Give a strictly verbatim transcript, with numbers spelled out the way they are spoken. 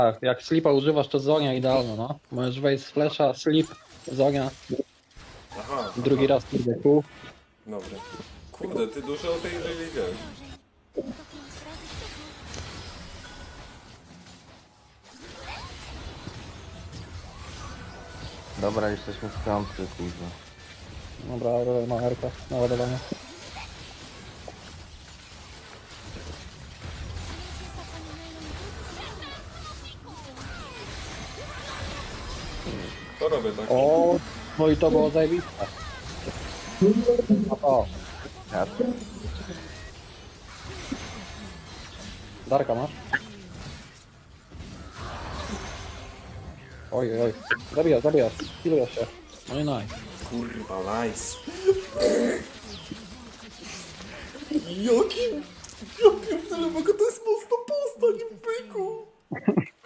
Tak, jak slipa używasz, to zonia idealna, no. Możesz wejść z flesza, slip, zonia, Aha, drugi aha. raz kurde kół. Dobra. Kurde, ty dużo o tej Irelie wiesz. Dobra, jesteśmy w piątce, kurwa. Dobra, Aurora ma R K na ładowanie. To robię tak. O, no i to było zajebiste. O, Ja Darka masz? Oj, oj, oj. Zabijasz, zabijasz. Kilujesz się. No i nice. Kurwa, nice. Jakim... Ja pierdolę, bo to jest mocna postać.